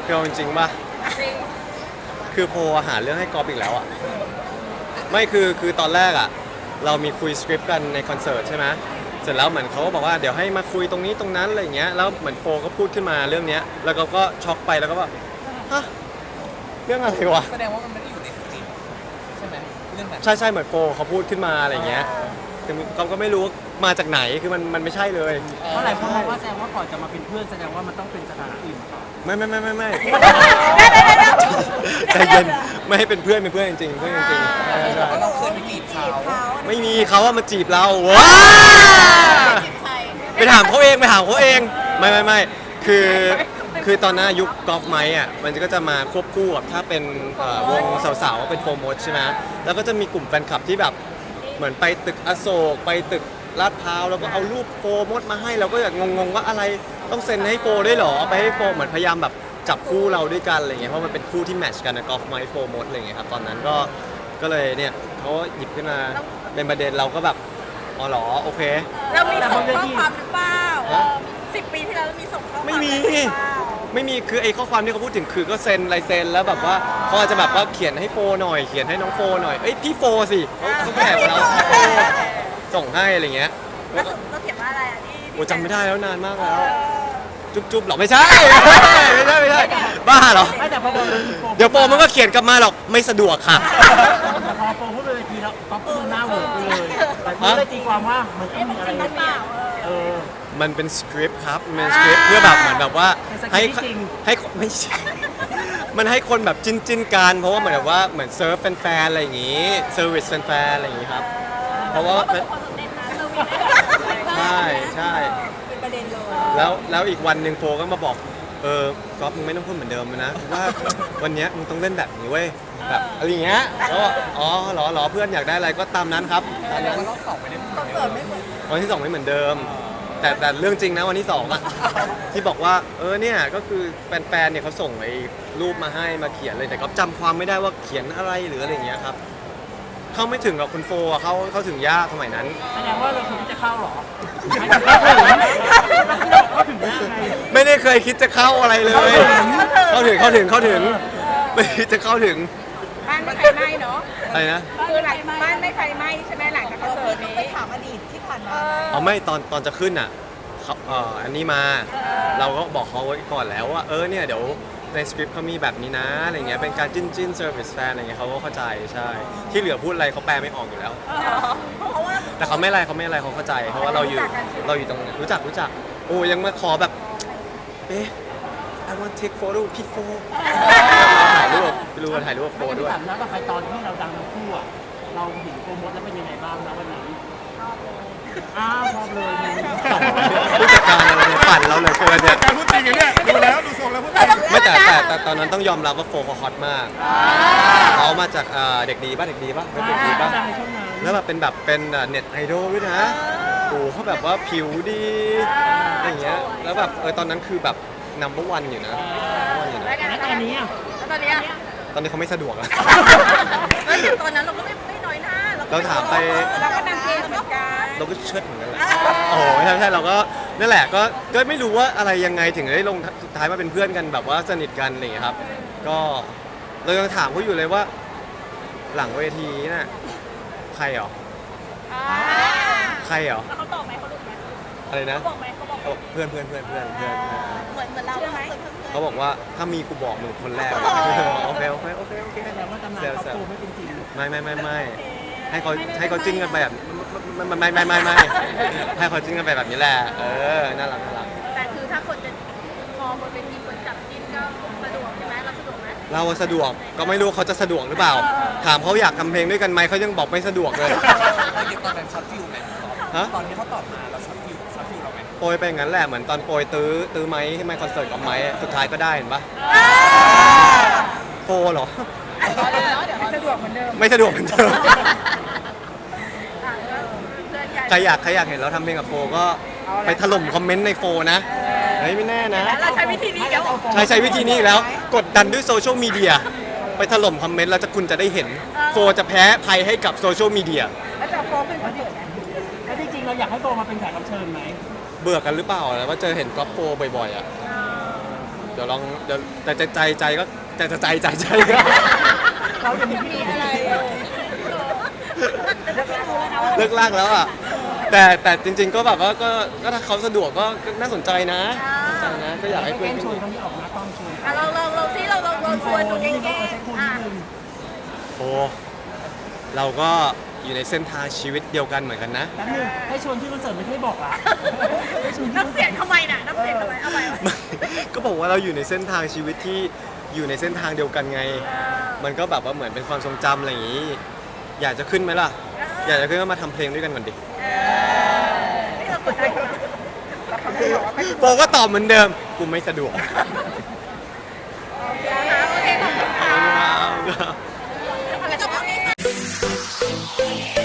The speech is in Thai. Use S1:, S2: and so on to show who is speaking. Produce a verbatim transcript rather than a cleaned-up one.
S1: คือเอาจริงๆป่ะคือโพหาเรื่องให้กอล์ฟอีกแล้วอ่ะไม่คือคือตอนแรกอ่ะเรามีคุยสคริปต์กันในคอนเสิร์ตใช่ไหมเสร็จแล้วเหมือนเขาก็บอกว่าเดี๋ยวให้มาคุยตรงนี้ตรงนั้นอะไรอย่างเงี้ยแล้วเหมือนโฟก็พูดขึ้นมาเรื่องเนี้ยแล้วก็ก็ช็อกไปแล้วก็ว่าฮะเรื่องอะไรวะ
S2: แสดงว่ามันไม่ได้อยู่ในสคริปต์ใช่ไหมเรื่องนั้น
S1: ใช่ใช่เหมือนโฟเขาพูดขึ้นมาอะไรอย่างเงี้ยแต่ก็ก็ไม่รู้ว่ามาจากไหนคือมันมันไม่ใช่เลย
S3: เพราะหลายคนมองว่าแสดงว่าก่อนจะมาเป็นเพื่อนแสดงว่ามันต้องเป็นสถานะอื่นมาก่อน
S1: ไม่ไม่ไม่ไม่ไม่ใจเย็นไม่ให้เป็นเพื่อนเป็นเพื่อนจริงๆเพื่อนจริงๆใช่ใช่
S2: เราเคยไปจีบเขา
S1: ไม่มีเขาว่ามาจีบเราว้าไปถามเขาเองไปถามเขาเองไม่ไม่ไม่คือคือตอนนั้นยุคกอล์ฟไม้อ่ะมันก็จะมาควบคู่กับถ้าเป็นวงสาวๆเป็นโฟร์มดใช่ไหมแล้วก็จะมีกลุ่มแฟนคลับที่แบบเหมือนไปตึกอโศกไปตึกลาดพร้าวแล้วก็เอารูปโฟร์มดมาให้เราก็อยากงงๆว่าอะไรต้องเซ็นให้โฟร์ด้วยหรอไปให้โฟร์เหมือนพยายามแบบจับคู่เราด้วยกันอะไรเงี้ยเพราะมันเป็นคู่ที่แมทช์กันนะกอล์ฟไม้โฟร์มดอะไรเงี้ยครับตอนนั้นก็ก็เลยเนี่ยเขาหยิบขึ้นมาเป็นประเด็นเราก็แบบอ๋อเหรอโอเค
S4: เรามีส่งข้อความหรือเปล่าสิบปีที่แล้วเรามีส่งข้อความ
S1: ไม่มีไม่มีคือไอ้ข้อความที่เขาพูดถึงคือก็เซ็นลายเซ็นแล้วแบบว่าเขาอาจจะแบบว่าเขียนให้โฟหน่อยเขียนให้น้องโฟหน่อยเอ้ยพี่โฟสิเขาแอบเราส่งให้อะไรเงี้ย
S4: แล้วเราเขียนว่าอะไรอ่ะที่
S1: โอ้จำไม่ได้แล้วนานมากแล้วจุ๊บจุ๊บหรอไม่ใช่ไม่ใช่ไม่ใช่บ้าเหรอเดี๋ยวโฟมันก็เขียนกลับมาหรอกไม่สะดวกค่ะ
S3: พอโฟพูดไปทีแล้วก๊อฟพูดหน้าเหวอไปเลยแต่พูดได้ตีความว่ามันต้องมีอะไรเออ
S1: มันเป็นสคริปต์ครับมันเป็นสคริปต์เพื่อแบบเหมือนแบบว่าให้ให้ไม่ใช่มันให้คนแบบจิ้นจิ้นกันเพราะว่าเหมือนแบบว่าเหมือนเซิร์ฟแฟนๆอะไรอย่างงี้เซอร์วิสแฟนๆอะไรอย่างงี้ครับเพราะว่าใช่ใช่
S4: เป็นประเด็นเลย
S1: แล้วแล้วอีกวันหนึ่งโฟก็มาบอกเออก๊อฟมึงไม่ต้องพูดเหมือนเดิมนะว่าวันนี้มึงต้องเล่นแบบนี้เว้ยแบบอะไรอย่างเงี้ยแล้วอ๋อหรอหรอเพื่อนอยากได้อะไรก็ตามนั้นครับตามนั้น
S2: รอบสองไม่ได้
S4: คอนเสิร์ตไม่เหมือน
S1: วันที่สองไม่เหมือนเดิมแต่แต่เรื่องจริงนะวันที่สองอะที่บอกว่าเออเนี่ยก็คือแฟนๆเนี่ยเขาส่งไอ้รูปมาให้มาเขียนเลยแต่ก็จำความไม่ได้ว่าเขียนอะไรหรืออะไรอย่างเงี้ยครับเข้าไม่ถึงกับคุณโฟเขาเขาถึงยากสมัยนั้น
S3: แสดงว่าเราควรจะเข้าหรอ
S1: ไม่ได้เคยคิดจะเข้าอะไรเลยเข้าถึงเข้าถึงเข้าถึงไม่คิดจะเข้าถึง
S4: บ้านไม่ไฟไหม้เนาะ
S1: อะไรนะ
S4: คือหลังบ้านไม่ไฟไหม้ใช่ไหมหลังจากคอนเสิร์ตนี้ไปถามอดีตที่ผ่านมา
S1: อ๋อไม่ตอนตอนจะขึ้นอ่ะเขาเอ่ออันนี้มาเราก็บอกเขาไว้ก่อนแล้วว่าเออเนี่ยเดี๋ยวในสคริปต์เขามีแบบนี้นะอะไรเงี้ยเป็นการจิ้นจิ้นเซอร์วิสแฟนอะไรเงี้ยเขาก็เข้าใจใช่ที่เหลือพูดอะไรเขาแปลไม่ออกอยู่แล้วแต่เขาไม่อะไรเขาไม่อะไรเขาเข้าใจเพราะว่าเราอยู่เราอยู่ตรงรู้จักรู้จักโอ้ยังมาขอแบบเอ๊ะ I want take photo พี่โฟถ่ายรูปไปดูถ่ายรูปโฟด้วย
S3: แล้วก็ไปตอนที่เราดังทั้งคู่อ่ะเราเห็นโฟมดแล้วเป็นยังไงบ้างนะวันนั้นอ้าวชอบเลย
S1: ผู้จัดการอะไรเนี่ยปั่นเราเลยโฟนเนี่ย
S2: การพูดจริงอย่างเนี้ยดูแล้วดูทรงแล้วพูด
S1: ไม่แต่แต่แต่ตอนนั้นต้องยอมรับว่าโฟเขาฮอตมากเขามาจากเด็กดีป่ะเด็กดีป่ะเด็กดีป่ะแล้วแบบเป็นแบบเป็นเน็ตไอดอลด้วยนะโอ้เขาแบบว่าผิวดีอย่างเงี้ยแล้วแบบเออตอนนั้นคือแบบนัมเบอร์วันอยู่นะ
S3: แล้วตอนนี้อ่ะ
S4: ตอนนี้
S1: ตอนนี้เขาไม่สะดวกแล้ว
S4: ตอนนั้นเราก็ไม่ไม่น้อยหน้า
S1: เราถามไป
S4: เราก็นั่งเองเหมือนกัน
S1: เราก็เชิดเหมือนกันแหละโอ้ใช่ใช่เราก็นั่นแหละก็ก็ไม่รู้ว่าอะไรยังไงถึงได้ลงสุดท้ายมาเป็นเพื่อนกันแบบว่าสนิทกันอะไรอย่างเงี้ยครับก็เรายังถามเขาอยู่เลยว่าหลังเวทีน่ะใครหรอใครหรอ
S4: เขาตอบไหมเขาดูไหม
S1: อะไรนะ
S4: เขาบอกไหมเขาบอก
S1: เพื่อนเพื่อนเพื่อนเพื่อนเพื่อน
S4: เหมือนเหมือนเราไหม
S1: เขาบอกว่าถ้ามีกูบอกมึงคนแรกโอเคโอเคโอเคโอเค
S3: แสดงว่าตำนานเขาโตไม่เป็นจริง
S1: ไม่ไม่ไม่ไม่ให้เขาให้เขาจิ้นกันไปแบบไม่ไม่ไม่ไม่ไม่ให้เขาจิ้นกันไปแบบนี้แหละเออน่ารักน่ารัก
S4: แต่คือถ้าคนจะพอบนเป็นทีคนจับจิ้นก็สะดวกใช่ไหมเราสะดวกไหม
S1: เราสะดวกก็ไม่รู้เขาจะสะดวกหรือเปล่าถามเขาอยากทำเพลงด้วยกันไหมเขายังบอกไม่สะดวกเลย
S2: ตอนนั้นช็อตฟิวไหมฮะตอนนี้เขาตอบมาเราช็อตฟิวช็อตฟิวเราไหม
S1: โปรยไปอย่างนั้นแหละเหมือนตอนโปรยตื้อตื้อไม้ให้ไมค์คอนเสิร์ตกับไม้สุดท้ายก็ได้เห็นปะโฟหรอ
S4: ไม่สะดวกเหมือนเดิม
S1: ไม่สะดวกเหมือนเดิมใครอยากใครอยากเห็นเราทำเพลงกับโฟก็ไปถล่มคอมเมนต์ในโฟนะเฮ้ยไม่แน่นะ
S4: เราใช้วิธีนี้แล้ว
S1: ใช้ใช้วิธีนี้แล้วกดดันด้วยโซเชียลมีเดียไปถล่มคอมเมนต์แล้วจะคุณจะได้เห็นโฟจะแพ้ภัยให้กับโซเชียลมีเดีย
S4: แล้วจะโฟเป็นคอนเสิร์ต
S3: แล้วจริงๆเราอยากให้โฟมาเป็นแขกรับเชิญไหม
S1: เบื่อกันหรือเปล่าแล้วว่าเจอเห็นกอล์ฟโฟบ่อยๆอ่ะเดี๋ยวลองเดี๋ยวแต่ใจใจใจก็แต่ใจใจใจก็
S3: เราจะมี
S4: มีอะไรเออแล้วก็รู้แล้วนะว่า
S1: เลิกลากแล้วอ่ะแต่แต่จริง ๆ ก็แบบว่าก็ก็ถ้าเขาสะดวกก็ก็น่าสนใจนะสนใจนะก็อยากให้
S3: ให้
S1: เพื่
S3: แก
S1: อน
S3: ล้งช
S1: ขึ้
S3: วน
S1: น
S3: เขาที่ออกหน้ากล้องชวน
S4: อ่ะเราเราเราซิเราเราเราชวนดูแก
S3: นี่ก็
S4: ล้ง
S3: ใช้คน
S4: ๆอ่ะ
S3: นิดนึง
S1: โอ้เราก็อยู่ในเส้นทางชีวิตเดียวกันเหมือนกันนะ
S3: แป๊บนึงให้ชวนที่คอนเสิร์ตไม่ให้บอกละให้ชวนที่คอน
S4: น้ำ
S3: เสิ
S4: เสีย
S3: ร์
S4: ง
S3: ต
S4: ทำไมน่ะน้ำเสียงทำไมเอาไป
S1: ก็บอกว่าเราอยู่ในเส้นทางชีวิตที่อยู่ในเส้นทางเดียวกันไง มันก็แบบว่าเหมือนเป็นความทรงจำอะไรอย่างนี้ อยากจะขึ้นไหมล่ะ อยากจะขึ้นก็มาทำเพลงด้วยกันก่อนดิ
S4: นี่เรากดได้ไหม
S1: บอกว่าตอบเหมือนเดิม กูไม่สะดวก
S4: โอเคขอบคุณค่ะอะไรจะบอกนี้ค่ะ